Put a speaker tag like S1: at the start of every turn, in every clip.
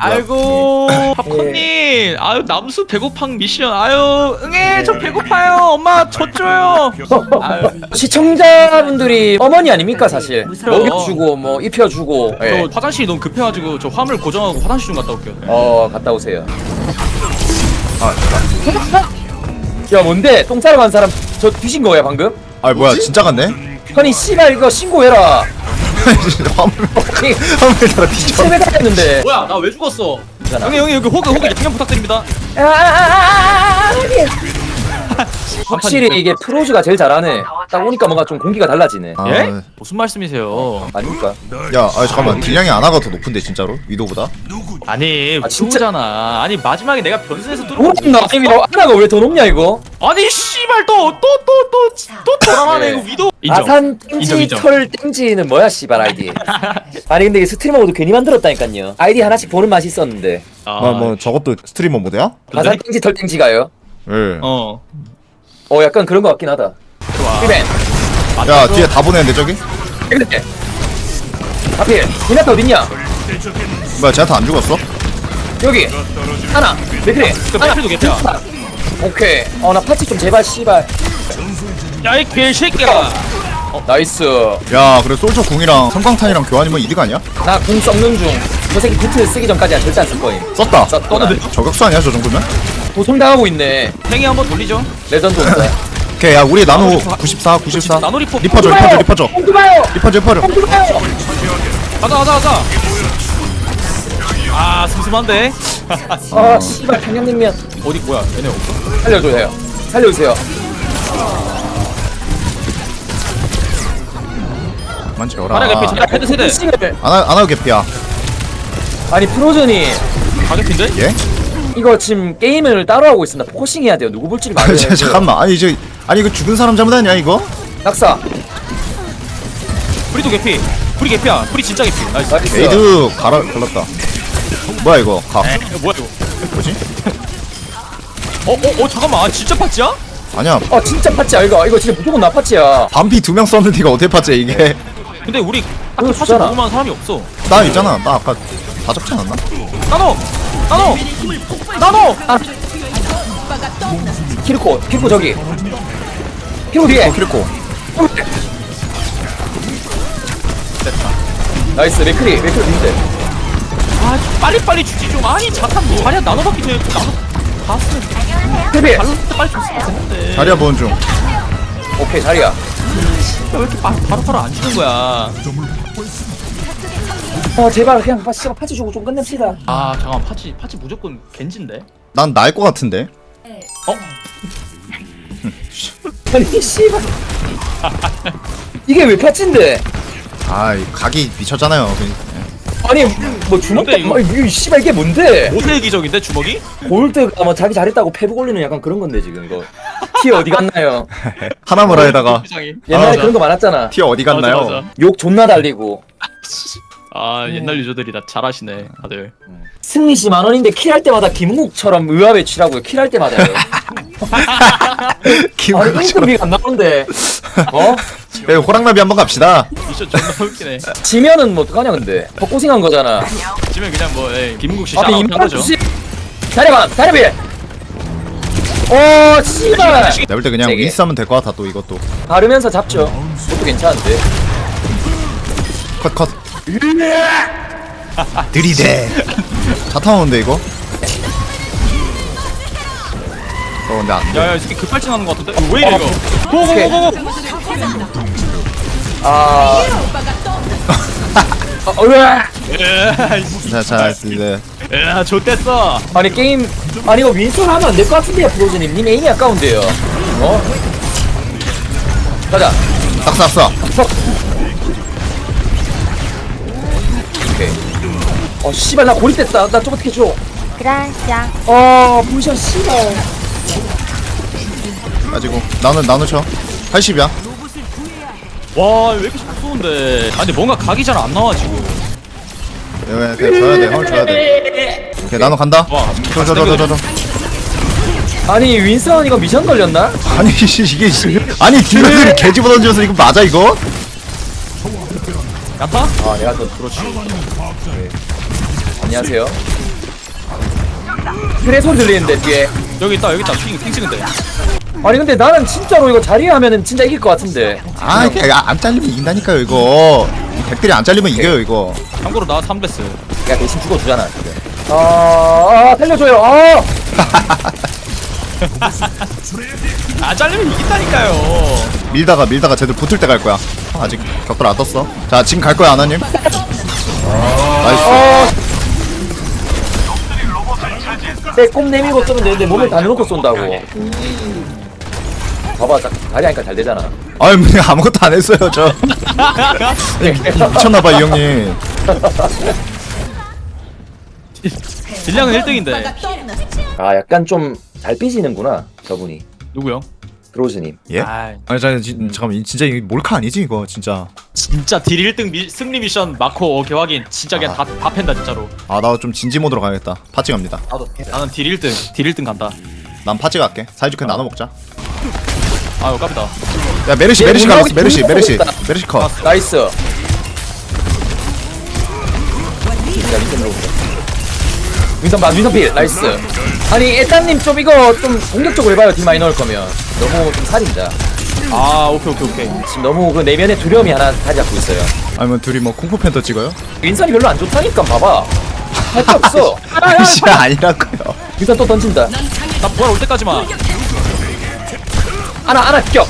S1: 아이고 팝콘님 아유 남수 배고팡 미션 아유 응애 저 배고파요 엄마 젖 줘요 아유
S2: 시청자분들이 어머니 아닙니까 사실. 먹여주고 뭐 입혀주고.
S1: 저 화장실이 너무 급해가지고 저 화물 고정하고 화장실 좀 갔다 올게요
S2: 갔다 오세요. 야 뭔데? 똥 싸러 간 사람 저 뒤진 거야 방금?
S3: 아 뭐야 진짜 같네?
S2: 아니 씨발 이거 신고해라.
S3: 화물 따라 뒤져.
S2: 세배가 했는데.
S1: 뭐야 나 왜 죽었어
S2: 괜찮아.
S1: 형님 여기 호그 양념 부탁드립니다
S2: 확실히 이게 프로즈가 제일 잘하네. 딱 오니까 뭔가 좀 공기가 달라지네.
S3: 아,
S1: 예? 무슨 말씀이세요
S2: 아닙니까?
S3: 야, 잠깐만 딜량이 아나가 더 높은데 진짜로? 위도보다?
S1: 아니
S2: 진짜?
S1: 진짜잖아 아니 마지막에 내가 변수에서
S2: 모른다. 이거 하나가 왜 더 높냐 이거?
S1: 아니 씨발 또 돌아가네 이거 위도 인정
S2: 아산
S1: 인정,
S2: 땡지
S1: 인정.
S2: 털 땡지는 뭐야 씨발 아이디. 아니 근데 이게 스트리머 모드 괜히 만들었다니까요. 아이디 하나씩 보는 맛이 있었는데.
S3: 뭐 저것도 스트리머 모드야?
S2: 아산 땡지 털 땡지가요?
S3: 예.
S2: 약간 그런 거 같긴 하다.
S1: 좋아
S2: 이벤.
S3: 야 뒤에 다 보내는데 저기?
S2: 이렇게. 하필 디나타 어딨냐?
S3: 뭐야 쟤한테 안 죽었어?
S2: 여기 하나 맥크리
S1: 그 맥크리도 개피야.
S2: 오케이. 나 파츠 좀 제발 씨발.
S1: 야이 개새끼야
S2: 나이스.
S3: 야 그래 솔저 궁이랑 성광탄이랑 교환이면 이득 아니야?
S2: 나 궁 썩는 중. 저 새끼 비트 쓰기 전까지야 절대 안 쓸 거임.
S3: 썼다.
S2: 썼구나.
S3: 저격수 아니야 저 정도면?
S2: 도청당하고 있네.
S1: 팽이 한번 돌리죠
S2: 레전드 온다.
S3: 오케이 야 우리 나노 94 94
S1: 나노 리포
S3: 리퍼줘
S2: 엉두봐요.
S3: 리퍼줘
S2: 엉두봐요.
S1: 가자 아 슴슴한데
S2: 씨발 평양냉면
S1: 어디 뭐야 얘네 없어?
S2: 살려줘요. 살려주세요.
S3: 그만 채워라.
S1: 하나 개피 자 헤드 세대
S2: 싱을
S3: 아나도 개피야.
S2: 아니 프로즌이
S1: 가격인데?
S3: 예?
S2: 이거 지금 게임을 따로 하고 있습니다. 포커싱 해야 돼요. 누구 볼지를 말해야 돼요.
S3: 잠깐만 아니 이거 죽은 사람 잘못 아니야 이거?
S2: 낙사.
S1: 브리도 개피 브리 개피야 브리 진짜 개피 나이스
S2: 나이스.
S3: 에이드 갈랐다. 뭐야 이거 가.
S1: 뭐야 이거
S3: 뭐지?
S1: 잠깐만 아 진짜 팟지야?
S3: 아니야
S2: 진짜 파츠야 이거 진짜 무조건 나 파츠야.
S3: 반피 2명 썼는데 이거 어떻게 봤지 이게?
S1: 근데 우리
S2: 그거
S1: 딱 사실
S2: 주잖아.
S1: 먹을만한 사람이 없어
S3: 나 있잖아 나 아까 다 잡지 않았나?
S1: 나노
S2: 키르코 저기. 키르코 뒤에.
S3: 키리코
S2: 나이스. 맥크리 뒤인데.
S1: 아 빨리 주지 좀 아니 잠깐 자리야 나노밖에 돼 나노 다 쓰면
S2: 헤비.
S1: 발로 때 빨리 줬으면 됐는데
S3: 자리야 보는 중.
S2: 오케이 자리야.
S1: 왜 이렇게 바로 안 주는 거야
S2: 제발 그냥 파츠 주고 좀 끝냅시다.
S1: 아 잠깐만 파치 무조건 겐진데
S3: 난 나일 것 같은데.
S2: 아니 씨발. 이게 왜 파츠인데?
S3: 아, 이 각이 미쳤잖아요.
S2: 아니 뭐 주먹
S1: 뭔데, 이거?
S2: 이 씨발 이게 뭔데?
S1: 모세의 기적인데 주먹이?
S2: 골드가 뭐 자기 잘했다고 패브 걸리는 약간 그런 건데 지금 이거. 티어 어디 갔나요?
S3: 하나무라에다가
S1: 세상에.
S2: 옛날에
S1: 맞아.
S2: 그런 거 많았잖아.
S3: 티어 어디 갔나요?
S1: 맞아.
S2: 욕 존나 달리고.
S1: 아 옛날 유저들이 다 잘하시네 다들
S2: 승리시 만원인데 킬할 때마다 김웅국처럼 의아에 치라고요. 킬할 때마다요. 아니
S3: 기분
S2: 인건비가 안 나오는데.
S3: 네, 호랑나비 한번 갑시다.
S1: 미션 존나 웃기네
S2: 지면은 뭐 어떡하냐 근데. 헛고생한 거잖아.
S1: 지면 그냥 뭐 김은국 씨
S2: 앞에
S1: 샤라웃 한
S2: 임파라
S1: 거죠
S2: 주시. 다리비. 씨발.
S3: 내가 볼 때 그냥
S2: 세게.
S3: 윈스 하면 될 것 같아 또 이것도.
S2: 바르면서 잡죠. 그것도 괜찮은데.
S3: 컷. 들이대. 자타 오는데 이거? 근데 안 돼.
S1: 야야 이 새끼 급발진하는 거 같은데? 왜 이래 이거
S2: 오케이.
S1: 고고고고고
S2: 으아.
S3: 자, 이제
S1: 야 좋댔어
S2: 아니 게임 이거 윈스턴 하면 안 될 것 같은데요 프로즈님. 님 에임이 아까운데요. 가자.
S3: 싹.
S2: 오케이. 씨발 나 고립됐다. 나 좀 어떻게 줘.
S4: Gracias.
S2: 포지션 씨발.
S3: 가지고 나눠 쳐. 80이야.
S1: 와 왜 이렇게 잘 쏘는데 아 근데 뭔가 각이 잘 안 나와 지금
S3: 네, 줘야 돼. 헐 줘야 돼. 오케이, 나눠 간다.
S1: 와
S3: 줘.
S2: 아니 윈스턴 이거 미션 걸렸나?
S3: 아니 이게 아니 딜러들이 개집어 던져서 이거 맞아 이거?
S1: 야타?
S2: 내가 또 그렇지. 네. 안녕하세요. 그래 소리 들리는데 뒤에.
S1: 여기 있다 핑 찍은데.
S2: 아니 근데 나는 진짜로 이거 자리에 하면은 진짜 이길 것 같은데.
S3: 아 이게 안 잘리면 이긴다니까요 이거. 이 백들이 안 잘리면 이겨요 이거.
S1: 참고로 나 3베스.
S2: 야 대신 죽어주잖아 지금. 살려줘요.
S1: 안 잘리면 이긴다니까요.
S3: 밀다가 쟤들 붙을 때 갈 거야. 아직 격돌 안 떴어. 자 지금 갈 거야 아나님. 나이스.
S2: 내꼼 내밀고 쏘면 되는데 몸을 다 넣고 쏜다고. 봐봐, 다리 하니까 잘 되잖아.
S3: 아유 뭐 아무것도 안 했어요 저. 미쳤나봐 이 형님.
S1: 딜량은 1등인데.
S2: 아, 약간 좀 잘 삐지는구나, 저분이.
S1: 누구요?
S2: 드로즈님.
S3: 예?
S1: 아,
S3: 아니 잠깐만 진짜 이거 몰카 아니지 이거 진짜.
S1: 진짜 딜 1등 승리 미션 마코 개확인. 진짜 그냥 다 팬다 진짜로.
S3: 아 나 좀 진지 모드로 가야겠다. 파찌 갑니다.
S1: 나는 딜 1등 간다.
S3: 난 파찌 갈게. 사이좋게 나눠 먹자.
S1: 아유 깝이다.
S3: 야 메르시
S2: 얘
S3: 갈랐어.
S2: 운동이
S3: 메르시
S2: 있다.
S3: 컷.
S2: 나이스. 야, 윈선 필. 나이스. 아니, 에따님 좀 이거 좀 공격적으로 해봐요, 딜 많이 넣을 거면. 너무 좀 살인다.
S1: 아 오케이.
S2: 지금 너무 그 내면의 두려움이 하나 자리 잡고 있어요.
S3: 아니면 둘이 뭐 쿵푸 팬더 찍어요?
S2: 윈선이 별로 안 좋다니까, 봐봐. 할 게 없어.
S3: 아이씨 아니라고요.
S2: 윈선 또 던진다.
S1: 나 부활 올 때까지만.
S2: 하나 격.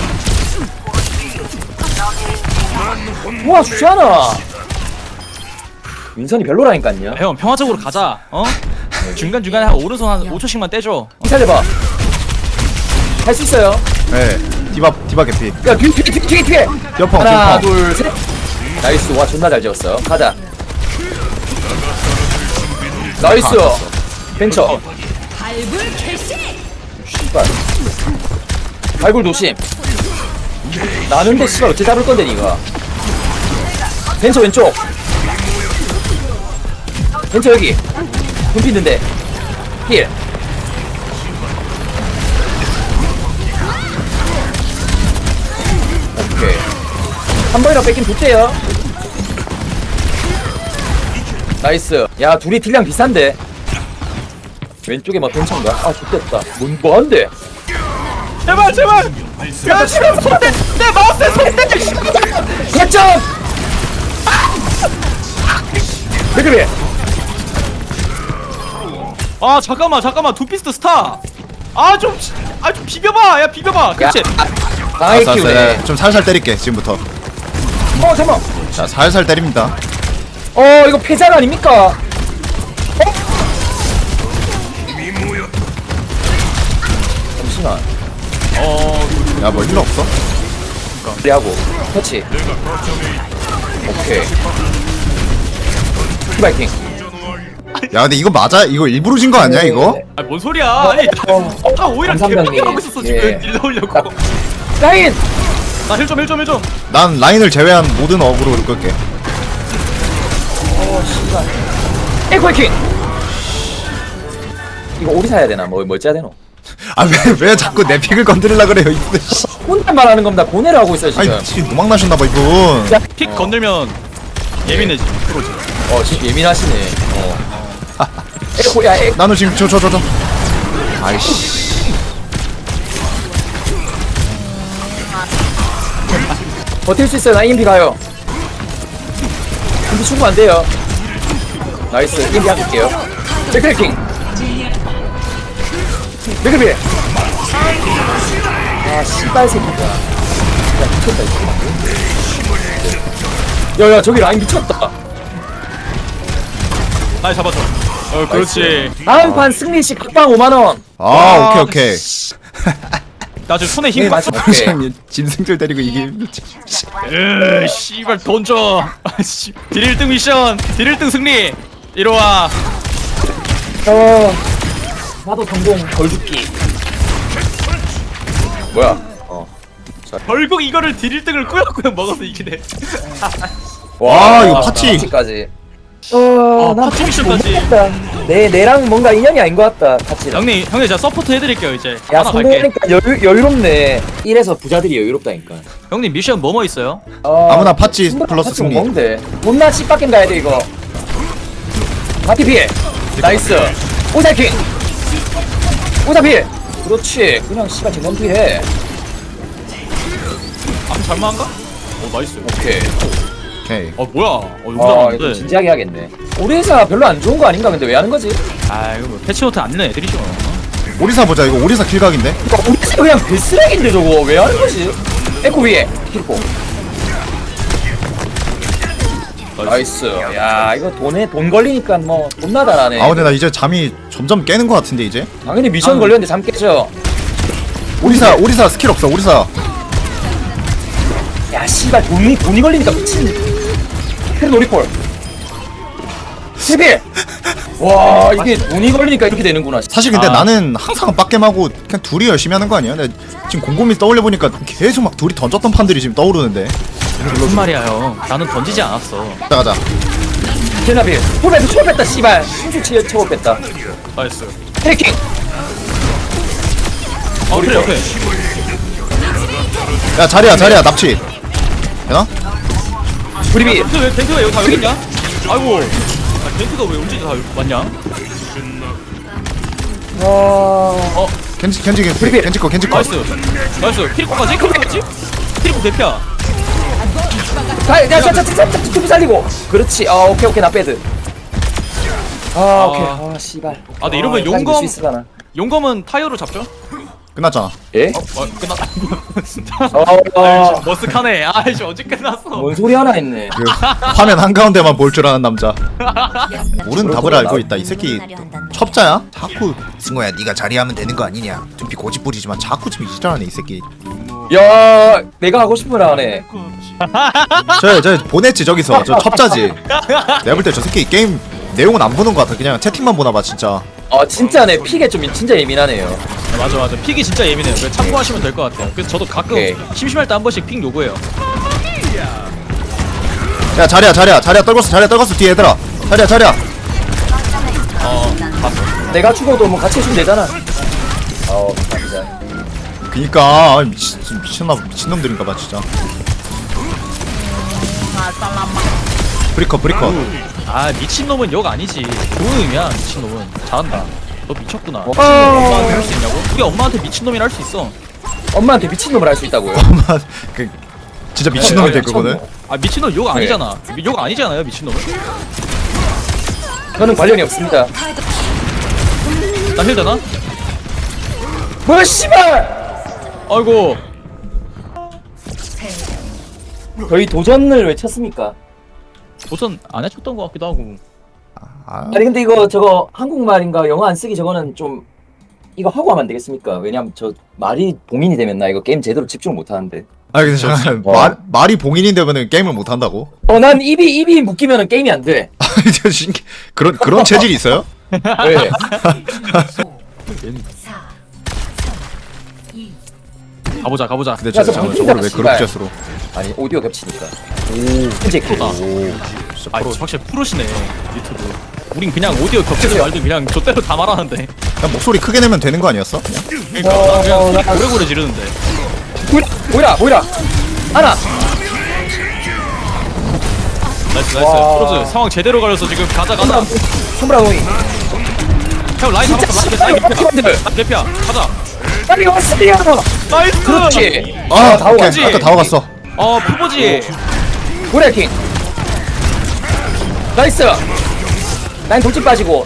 S2: 우와, 주잖아. 윈선이 별로라니까요.
S1: 형 평화적으로 가자. 어? 중간중간에 한 오른손 한 5초씩만 떼줘.
S2: 기다려봐. 할 수 있어요.
S3: 네. 디바 개피.
S2: 야, 뒤에.
S3: 옆펑
S2: 하나,
S3: 옆펑.
S2: 둘, 셋. 나이스. 와, 존나 잘 지었어. 가자. 나이스. 벤처. 씨발. 발굴 조심. 나는데 씨발 어째 잡을 건데 니가. 벤처 왼쪽. 벤처 여기. 눈피 있는데. 힐. 오케이. 한 번이라 뺏긴 좋대요. 나이스. 야, 둘이 딜량 비싼데. 왼쪽에 뭐 벤처인가? 아, 좋됐다. 뭐한데?
S1: 제발. 야 씨발 손대. 내 마우스에 손대.
S2: 개점! 왜 그래?
S1: 아 잠깐만 두피스트 스타. 좀 비벼봐. 야 비벼봐. 그렇지.
S2: 강하게 키우네.
S3: 좀 살살 때릴게 지금부터.
S2: 잠깐만.
S3: 자 살살 때립니다.
S2: 이거 패작 아닙니까? 잠시만.
S3: 야 뭐 힐러 없어?
S2: 하고 터치. 오케이. 히바이킹.
S3: 야 근데 이거 맞아? 이거 일부러 진 거 아니야 이거?
S1: 아뭔 소리야? 아니 나 오히려
S2: 감사합니다.
S1: 개빡게 하고 있었어 지금.
S2: 예.
S1: 딜 넣으려고.
S2: 라인!
S1: 나 힐 좀.
S3: 난 라인을 제외한 모든 어그로 끌게.
S2: 씨발. 에코이킹! 이거 오리 사야 되나? 뭘 짜야 되노?
S3: 아 왜 자꾸 내 픽을 건드리려 그래요 이분.
S2: 혼자 말하는 겁니다. 고뇌를 하고 있어요 지금.
S3: 아니 지금 도망 나셨나봐 이분.
S2: 야,
S1: 픽 건들면 예민해지. 프로지.
S2: 지금 예민하시네. 에코, 야,
S3: 나는 지금 저. 아이씨.
S2: 버틸 수 있어요. 나 EMP 가요. EMP 충분 안 돼요. 나이스. EMP 할게요. 백크래킹. 백크래킹. 아, 씨발 새끼다. 야, 미쳤다, 이거. 야, 저기 라인 미쳤다.
S1: 날 잡아줘. 그렇지.
S2: 다음 판 승리시 각방 5만원.
S3: 아 오케이.
S1: 나 지금 손에 힘
S2: 네,
S1: 받쳐.
S2: 맞죠. 오케이.
S3: 진승들 때리고 이게.
S1: 씨발 돈 줘. 딜 1등 미션. 딜 1등 승리. 이리 와.
S2: 나도 성공 덜 죽기. 뭐야?
S1: 결국 이거를 딜 1등을 꾸역꾸역 먹어서 이기네.
S3: 와, 이거 파티.
S2: 파티까지.
S1: 난 파티 미션까지.
S2: 내랑 뭔가 인연이 아닌 것 같다. 파티랑.
S1: 형님 제가 서포트 해드릴게요 이제.
S2: 야,
S1: 하나 갈게.
S2: 성공하니까 여유롭네. 이래서 부자들이 여유롭다니까.
S1: 형님 미션 뭐뭐 있어요?
S3: 아무나 파치 플러스 승리.
S2: 뭔데? 존나 씨빡겜 가야 돼 이거. 파티 피해. 나이스. 오사킹 오사필 그렇지 그냥 씨발 쟁점피해.
S1: 아 잘만한가? 오 나이스.
S2: 오케이.
S3: 오케이.
S1: 뭐야? 이거
S2: 이거
S1: 잘하는데.
S2: 진지하게 하겠네. 우리 회사 별로 안 좋은 거 아닌가 근데 왜 하는 거지?
S1: 아 이거 뭐 패치노트 안 내는 애들이죠.
S3: 오리사 보자. 이거 오리사 킬각인데.
S2: 우리 회사 그냥 개쓰레기인데 저거 왜 하는 거지? 에코 위에 킬포. 나이스. 야 이거 돈 걸리니까 뭐 돈나다 나네.
S3: 아 근데 나 이제 잠이 점점 깨는 것 같은데 이제.
S2: 당연히 미션 걸렸는데 잠 깨져.
S3: 오리사 스킬 없어. 오리사.
S2: 야 씨발 돈이 걸리니까 미친. 캐리 놀이콜. 세빌. 와 이게 돈이 걸리니까 이렇게 되는구나.
S3: 사실 근데
S1: 아.
S3: 나는 항상 빡겜하고 그냥 둘이 열심히 하는 거 아니야? 근데 지금 곰곰이 떠올려 보니까 계속 막 둘이 던졌던 판들이 지금 떠오르는데.
S1: 무슨 말이야 형? 나는 던지지 않았어.
S3: 가자.
S2: 제나빌. 초월 뺐다 씨발. 순수 초월 뺐다.
S1: 나이스.
S2: 해킹.
S1: 그래 오케이.
S3: 야 자리야 납치. 되나?
S2: 브리비.
S1: 덴트가 여기 다 여기 있냐? 아이고. 덴트가 왜 언제 다 왔냐?
S3: 겐지
S2: 브리비.
S3: 거
S1: 나이스. 나이스. 키리코까지? 키리코 대피야.
S2: 투비 살리고. 그렇지. 오케이 나 빼드. 오케이. 씨발.
S1: 근데 이러면 용검은 타이어로 잡죠?
S3: 끝났잖아.
S2: 예?
S1: 끝났다.
S2: 어.
S1: 머쓱하네. 아이씨 언제 끝났어?
S2: 뭔 소리 하나 했네.
S3: 그 화면 한가운데만 볼 줄 아는 남자. 옳은 답을 알고 있다. 이 새끼 첩자야? 자꾸 승호야 네가 자리하면 되는 거 아니냐. 좀비 고집부리지만 자꾸 지금 이지랄하네 이 새끼.
S2: 야, 내가 하고 싶은 거 하네.
S3: 저 보냈지 저기서. 저 첩자지. 내가 볼 때 저 새끼 게임 내용은 안 보는 거 같아. 그냥 채팅만 보나봐 진짜.
S2: 진짜네. 픽에 좀 진짜 예민하네요.
S1: 맞아. 픽이 진짜 예민해요. 그래서 참고하시면 될 것 같아요. 그래서 저도 가끔
S2: 오케이.
S1: 심심할 때 한 번씩 픽 요구해요.
S3: 야 자리야 떨궜어 뒤에 얘들아. 자리야.
S1: 봤어.
S2: 내가 죽어도 뭐 같이 해주면 되잖아. 진짜.
S3: 그니까 미친놈들인가봐 진짜. 브리커.
S1: 아 미친놈은 욕 아니지. 좋은 의미야 미친놈은. 잘한다. 너 미쳤구나.
S2: 어.
S1: 엄마한테 할 수 있냐고? 우리 엄마한테 미친놈이라 할 수 있어.
S2: 엄마한테 미친놈을 할 수 있다고요.
S3: 그 진짜 미친놈이 될 거거든.
S1: 아 미친놈 욕 아니잖아. 욕 아니잖아요 미친놈은.
S2: 저는 관련이 없습니다.
S1: 나 힐 되나?
S2: 뭐야 씨발!
S1: 아이고.
S2: 저희 도전을 왜 쳤습니까?
S1: 우선 안 해줬던 것 같기도 하고.
S2: 아니 근데 이거 저거 한국말인가 영어 안 쓰기 저거는 좀 이거 하고 하면 안 되겠습니까? 왜냐면 저 말이 봉인이 되면 나 이거 게임 제대로 집중 못 하는데.
S3: 아니 근데 잠깐 말이 봉인인데면은 게임을 못 한다고?
S2: 난 입이 묶이면은 게임이 안 돼.
S3: 아니 저 신기 그런 체질이 있어요?
S2: 왜?
S1: 가보자.
S3: 근데
S2: 야, 저
S3: 저걸
S2: 방송이잖아,
S3: 왜
S2: 씨발.
S3: 그렇게 로
S2: 아니 오디오 겹치니까. 현재
S1: 프로다.
S3: 진짜
S1: 아
S3: 프로.
S1: 확실히 프로시네 유튜브. 우린 그냥 오디오 겹치지 말고 그냥 좆대로 다 말하는데.
S3: 그냥 목소리 크게 내면 되는 거 아니었어? 그냥?
S1: 그러니까 난 그냥 소리 고래고래 지르는데.
S2: 보이라 하나.
S1: 나이스.
S2: 와.
S1: 프로즈 상황 제대로 가려서 지금 가자.
S2: 손브라 노이.
S1: 형 라인 잡았어. 라인 개피야. 개피야. 가자.
S2: 빨리 왔어요.
S1: 나이스.
S2: 그렇지.
S3: 아 오케이.
S1: 오지.
S3: 아까 다 와갔어.
S1: 푸보지.
S2: 고래킹. 나이스. 라인 돌진 빠지고.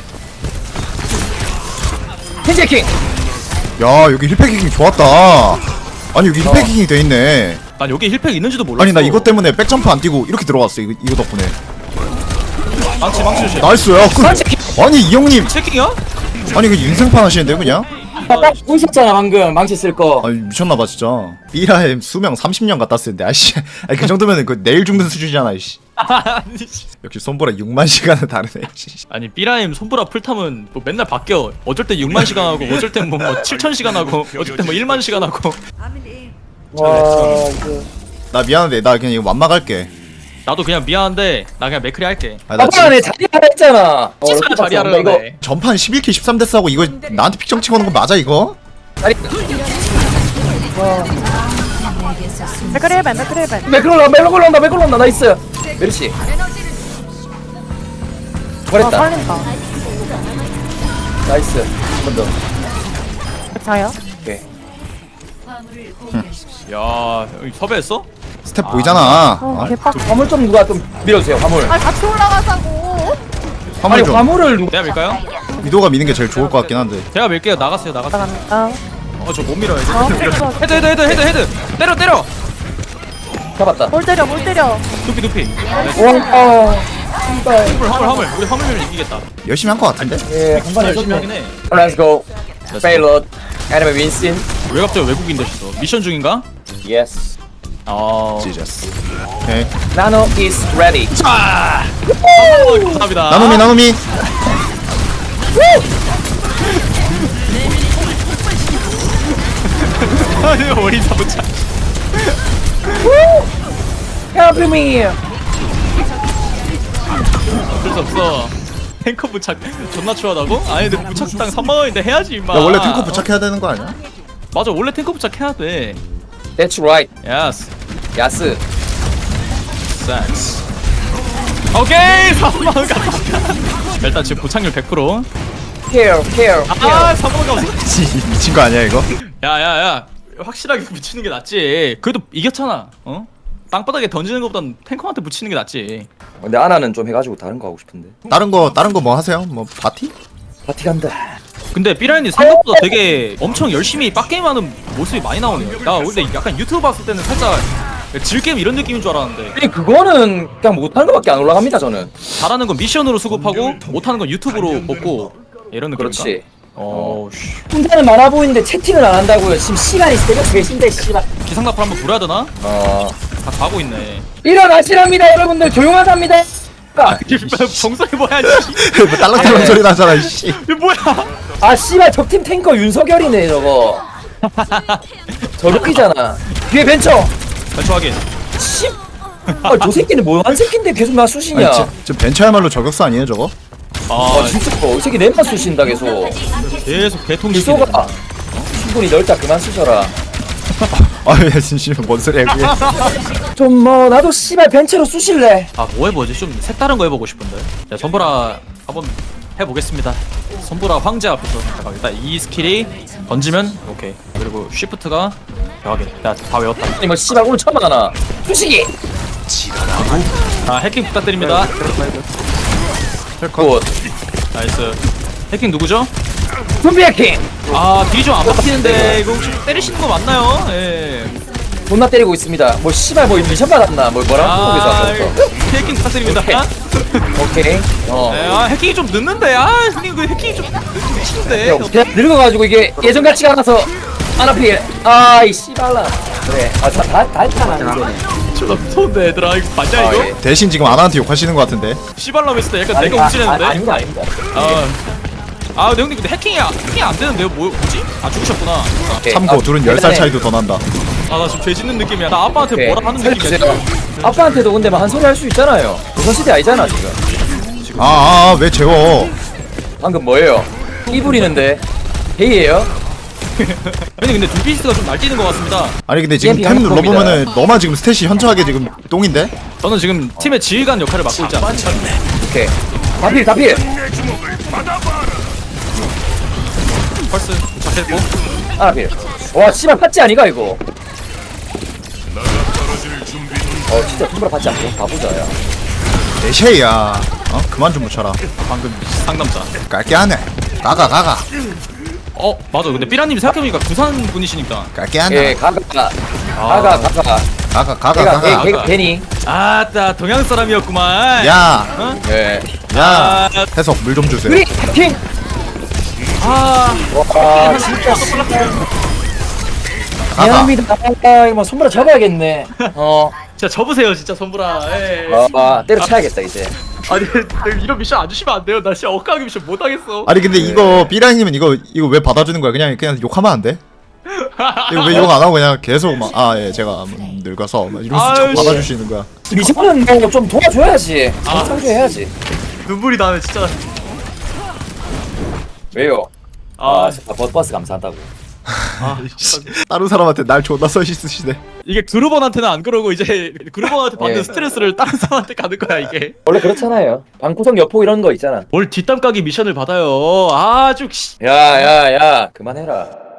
S2: 현재킹.
S3: 야 여기 힐패킹 좋았다. 아니 여기 힐패킹이 돼 있네.
S1: 난 여기 힐팩 있는지도 몰랐어.
S3: 아니 나 이것 때문에 백점프 안 뛰고 이렇게 들어갔어. 이거 덕분에.
S1: 망치 조심.
S3: 나이스야. 아니 이 형님
S1: 체킹이야?
S3: 아니 그 인생판 하시는데 그냥?
S2: 딱 보셨잖아 방금 망치 쓸 거.
S3: 아니 미쳤나봐 진짜. 삐라의 수명 30년 갖다 쓰는데 아씨. 아니 그 정도면 그 내일 죽는 수준이잖아 이씨. 역시 손보라 6만 시간은 다르네.
S1: 아니 삐라임 손보라 풀탐은 뭐 맨날 바뀌어. 어쩔 때 6만 시간 하고 어쩔 때 뭐 7천 시간 하고 어쩔 때 뭐 1만 시간 하고.
S2: 와 이거.
S3: 나 미안한데 나 그냥 이거 완막할게.
S1: 나도 그냥 미안한데 나 그냥 맥크리 할게.
S3: 아, 나
S2: 아빠가 내 자리 하라 했잖아.
S1: 찌스가 자리 하라
S2: 이거.
S1: 그러네.
S3: 전판 11킬 13데스 하고 이거 나한테 픽정 찍어놓은 거 맞아 이거?
S2: 자리.
S4: 맥크리벤
S2: 매클 올라온다 나이스. 메르시.
S4: 아
S2: 잘했다.
S4: 살린다
S2: 나이스. 한 번 더.
S4: 자요?
S2: 오케이.
S1: 야 여기 섭외했어?
S3: 스텝 보이잖아.
S4: 개빡.
S2: 화물 좀 누가 좀 밀어주세요. 화물.
S4: 아, 같이 올라가자고.
S3: 화물
S2: 아니
S3: 좀.
S2: 화물을 누가?
S1: 내가 밀까요?
S3: 위도가 미는 게 제일 좋을 것 같긴 한데.
S1: 제가 밀게요. 나갔어요. 나갔어요.
S4: 나갑니다.
S1: 저 못 밀어요. 이제.
S4: 어,
S1: 헤드. 때려.
S2: 잡았다.
S4: 뭘 때려, 뭘 때려.
S1: 두피.
S2: 와.
S1: 화물. 우리 화물 밀면 이기겠다.
S3: 열심히 한 것 같은데.
S2: 예, 한 번
S1: 열심히 하긴
S2: 해줬네.
S1: 해.
S2: Let's go. Payload. Enemy 윈신.
S1: 왜 갑자기 외국인 되셨어? 미션 중인가?
S2: Yes.
S3: 지저스. 오케이.
S2: Nano is ready.
S1: 감사합니다.
S3: 나노미.
S1: 머리 사부차.
S2: Help me.
S1: 어쩔 수 없어. 탱커 부착 존나 추하다고? 아니 근데 부착당 3만원인데 해야지 임마.
S3: 야 원래 탱커 부착해야 되는 거 아니야?
S1: 맞아 원래 탱커 부착해야 돼.
S2: That's right.
S1: 야스
S2: 야스.
S1: 센스. 오케이 3만원 갔다. 일단 지금 부착률 100%.
S2: Care.
S1: 아 3만원 갔어.
S3: 미친 거 아니야 이거?
S1: 야야야 확실하게 붙이는 게 낫지. 그래도 이겼잖아. 어? 땅바닥에 던지는 것보단 탱커한테 붙이는 게 낫지.
S2: 근데 아나는 좀 해가지고 다른 거 하고 싶은데.
S3: 다른 거 뭐 하세요? 뭐 파티?
S2: 파티 간다.
S1: 근데 삐라인이 생각보다 되게 엄청 열심히 빡게임하는 모습이 많이 나오네요. 나 근데 약간 유튜브 봤을 때는 살짝 질게임 이런 느낌인 줄 알았는데
S2: 아니 그거는 그냥 못하는 거밖에 안 올라갑니다 저는.
S1: 잘하는 건 미션으로 수급하고 못하는 건 유튜브로 먹고 이런 느낌인가?
S2: 그렇지.
S1: 씨.
S2: 혼자는 많아 보이는데 채팅을 안 한다고요. 지금 시간이 새벽 3시인데 씨발.
S1: 기상나팔 한번 불어야 되나? 다 가고 있네.
S2: 일어나시랍니다 여러분들. 조용하답니다.
S1: 정성이 뭐야
S3: 뭐 딸랑딸랑 소리 나잖아 씨.
S1: 이게 뭐야?
S2: 아 씨발 적팀 탱커 윤석열이네 저거. 저렇게잖아. 뒤에 벤처.
S1: 대충하게
S2: 씨. 아저 새끼는 뭐한 새끼인데 계속 나 쑤시냐.
S3: 아니 저 벤처야말로 저격수 아니에요 저거?
S2: 아 진짜 이 새끼 내만 쑤신다 계속.
S1: 계속 개통시키네.
S2: 일소가 충분히 넓다 그만 쑤셔라.
S3: 아야 진심 뭔 소리야 그게?
S2: 좀 뭐 나도 씨발 벤처로 쑤실래.
S1: 뭐 해보지? 좀 색다른 거 해보고 싶은데. 자 선보라 한번 해보겠습니다. 선보라 황제 앞에서 잠깐 일단 이 스킬이 던지면 오케이. 그리고 쉬프트가 대박이다. 야다 외웠다.
S2: 아니 뭐 씨발 오늘 처음 하나. 쑤시기.
S1: 해킹 부탁드립니다.
S2: 굿.
S1: 나이스. 해킹 누구죠?
S2: 좀비 해킹.
S1: 딜이 좀 안 박히는데 이거 혹시 때리시는 거 맞나요? 예.
S2: 존나 때리고 있습니다. 뭐 씨발 뭐 미션 받았나? 뭐라고 거기서.
S1: 해킹 부탁드립니다.
S2: 오케이.
S1: 네, 해킹이 좀 늦는데. 형님 그 해킹이 좀 늦는데.
S2: 그냥 늙어가지고 이게 예전 같지가 않아서 아나필. 아이 씨발라. 그래. 다 했잖아 이제.
S1: 존나 무서운데 얘들아 이거 맞냐
S2: 아,
S1: 이거?
S2: 예.
S3: 대신 지금 아나한테 욕하시는 것 같은데.
S1: 씨발람 했을 때 약간 내가 움찔했는데.
S2: 아닙니다.
S1: 근데 형님 근데 해킹이 안 되는데요? 뭐지? 죽으셨구나.
S2: 오케이.
S3: 참고 둘은 10살
S2: 일단은
S3: 차이도 더 난다.
S1: 나 지금 죄 짓는 느낌이야. 나 아빠한테
S2: 오케이.
S1: 뭐라 하는 느낌이야.
S2: 살려주세요. 아빠한테도 근데 막 한 소리 할 수 있잖아요. 조선시대 아니잖아 지금.
S3: 왜 재워?
S2: 방금 뭐예요? 이 부리는데 헤이예요?
S1: 형님 근데 둠피스트가 좀 날뛰는 것 같습니다.
S3: 아니 근데 지금
S2: EMP
S3: 템
S2: 한번
S3: 눌러보면은 너만 지금 스탯이 현저하게 지금 똥인데?
S1: 저는 지금 팀의 지휘관 역할을 맡고 있지 않습니까?
S2: 오케이. 다필.
S1: 펄스 도착했고.
S2: 아나필. 와 씨발 팥지 아니가 이거. 진짜 tumblr 받지 않고 바보자야.
S3: 내쉐이야. 그만 좀 묻혀라.
S1: 방금 상담자.
S3: 깔게 하네. 가가.
S1: 맞아. 근데 삐라님이 생각해보니까 부산 분이시니까.
S3: 깔게
S2: 예,
S3: 하네.
S2: 가가.
S3: 가가.
S2: 걔가 괜히.
S1: 아따 동양 사람이었구만.
S3: 야,
S2: 예.
S3: 야. 해석 물 좀 주세요.
S2: 우리 해킹.
S1: 아
S2: 와 진짜
S3: 가가.
S2: 미안합니다. 이거 뭐 손보라 잡아야겠네.
S1: 진짜 접으세요 진짜 선불아. 예.
S2: 때려쳐야겠다 이제.
S1: 아니 이런 미션 안 주시면 안 돼요. 나 진짜 억까하게 미션 못 하겠어.
S3: 아니 근데 이거 삐라님은 이거 왜 받아주는 거야? 그냥 욕하면 안 돼? 이거 왜 욕 안 하고 그냥 계속 막 제가 늙어서 막 이러면서 자꾸 받아주시는 거야.
S2: 미션은 뭐 좀 도와줘야지. 상주해야지.
S1: 눈물이 나네 진짜.
S2: 왜요? 버스 감사하다고.
S3: 다른 사람한테 날 존나 써시쓰시네.
S1: 이게 그루번한테는 안 그러고 이제 그루번한테 받는
S2: 예.
S1: 스트레스를 다른 사람한테 가는 거야 이게.
S2: 원래 그렇잖아요. 방구석 여포 이런 거 있잖아.
S1: 뭘 뒷담 까기 미션을 받아요. 아주
S2: 야야야 그만해라.